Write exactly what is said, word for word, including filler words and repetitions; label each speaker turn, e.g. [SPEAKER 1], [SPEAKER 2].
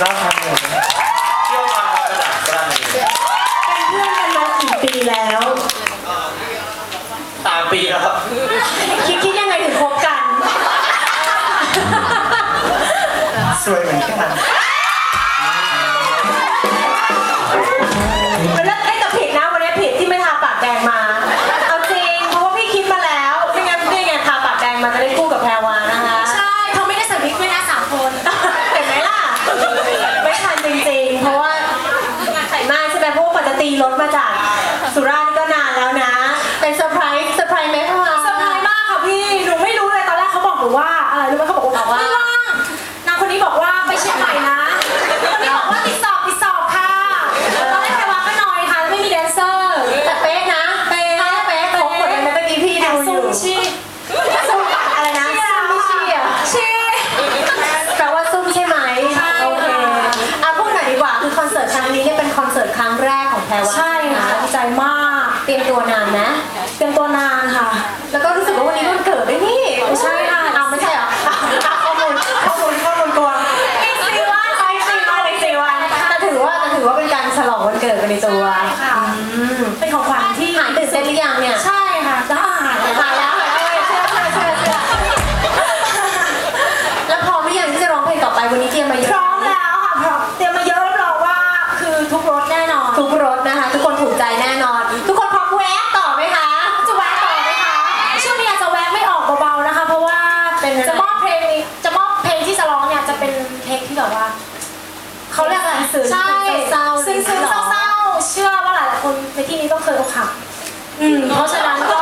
[SPEAKER 1] รอบครั้งหนึ่งเที่ยวมาพอกระดาษกล้าเป็นเพื่อนกันมากี่ปีแล้วสามปีแล้วครับคิดคิดยังไงถึงคบกันสวยเหมือนกันมันเลิกไอ้กับผิดนะวันนี้ผิดที่ไม่ทาปากแดงมาเอาจริงเพราะว่าพี่คิดมาแล้วไม่งั้นไม่งั้นทาปากแดงมาจะได้คู่กับแพรวานะคะ
[SPEAKER 2] ใช่เขาไม่ได้ใส่วิกด้วยนะสามคน
[SPEAKER 1] เห็นไหมล่ะไม่ทันจริงๆเพราะว่าใส่มากใช่ไหมเพราะว่าปกติรถมาจากสุราษฎร์ก็นานแล้วนะเป็นเซอร์ไพรส์เซอร์ไพรส์ไหมพ่อ
[SPEAKER 2] เซอร์ไพรส์มากค่ะพี่หนูไม่รู้เลยตอนแรกเขาบอกหนูว่าอะไรรู้ไหมเขาบอกว่าไม่ว่างนางคนนี้บอกว่าไปเชียงใหม่นะคนนี้บอกว่าติดสอบติดสอบค่ะตอนแรกแพรวาก็น้อยค่ะไม่มีแดนเซอร์
[SPEAKER 1] แต่เป๊ะนะเป๊ะเป๊ะของหมดเลยนะเมื่อกี้พี่ดูอยู่
[SPEAKER 2] ชี้
[SPEAKER 1] ซุ่มอะไรนะซุ่มไม่ชี้อ่ะ
[SPEAKER 2] ชี้
[SPEAKER 1] แปลว่าซุ่มใช่ไหมโอเคอ่ะพูดหน่อยดีกว่าคือคอนเสิร์ตครั้งนี้เนี่ยเป็นคอนเสิร์ตครั้งแรกของแพรวา
[SPEAKER 2] ใช่ค่ะดีใจมาก
[SPEAKER 1] เตรียมตัวนานนะ
[SPEAKER 2] เตรียมตัวนานค่ะ
[SPEAKER 1] แล้วก็รู้สึกว่าวันนี้วันเกิดด้วยนี่
[SPEAKER 2] ไม่ใช่ค่ะ
[SPEAKER 1] อ้าวไม่ใช่เหรอข้อมูลข้อมูลข้อมูลตัว
[SPEAKER 2] อีกสี่วัน
[SPEAKER 1] ไปสี่วันอีกสี่วันแต่ถือว่าแต่ถือว่าเป็นการฉลองวันเกิดไปในตัว
[SPEAKER 2] ค่ะเป็นของขวัญที่
[SPEAKER 1] หายตื่นเต้นหรือยังเนี่ย
[SPEAKER 2] ใช่ค่ะจะหาย
[SPEAKER 1] หายแล้วหายแล้วเชื่อเชื่อเชื่อเชื่อแล้วพร้อมหรือยังที่จะร้องเพลงต่อไปวันนี้เตรียมมาเยอะ
[SPEAKER 2] พร้อมแล้วค่ะพร้อมเตรียมมาเยอะรับรองว่าคือทุกรสแน่นอน
[SPEAKER 1] ทุกรสนะคะทุกคนถูกใจแน่นอนทุกคนพร้อมแวะต่อไหมคะ
[SPEAKER 2] จะแวะต่อไหมคะช่วงนี้อาจจะแวะไม่ออกเบาๆนะคะเพราะว่าจะมอบเพลงจะมอบเพลงที่จะร้องเนี่ยจะเป็นเพลงที่แบบว่าเขาเรียกอะไร
[SPEAKER 1] สื่อ
[SPEAKER 2] ใช่
[SPEAKER 1] เศร้า
[SPEAKER 2] ซึ้งๆเศร้าๆเชื่อว่าหลายๆคนในที่นี้ต้องเคยอกหักอืมเพราะฉะนั้นก็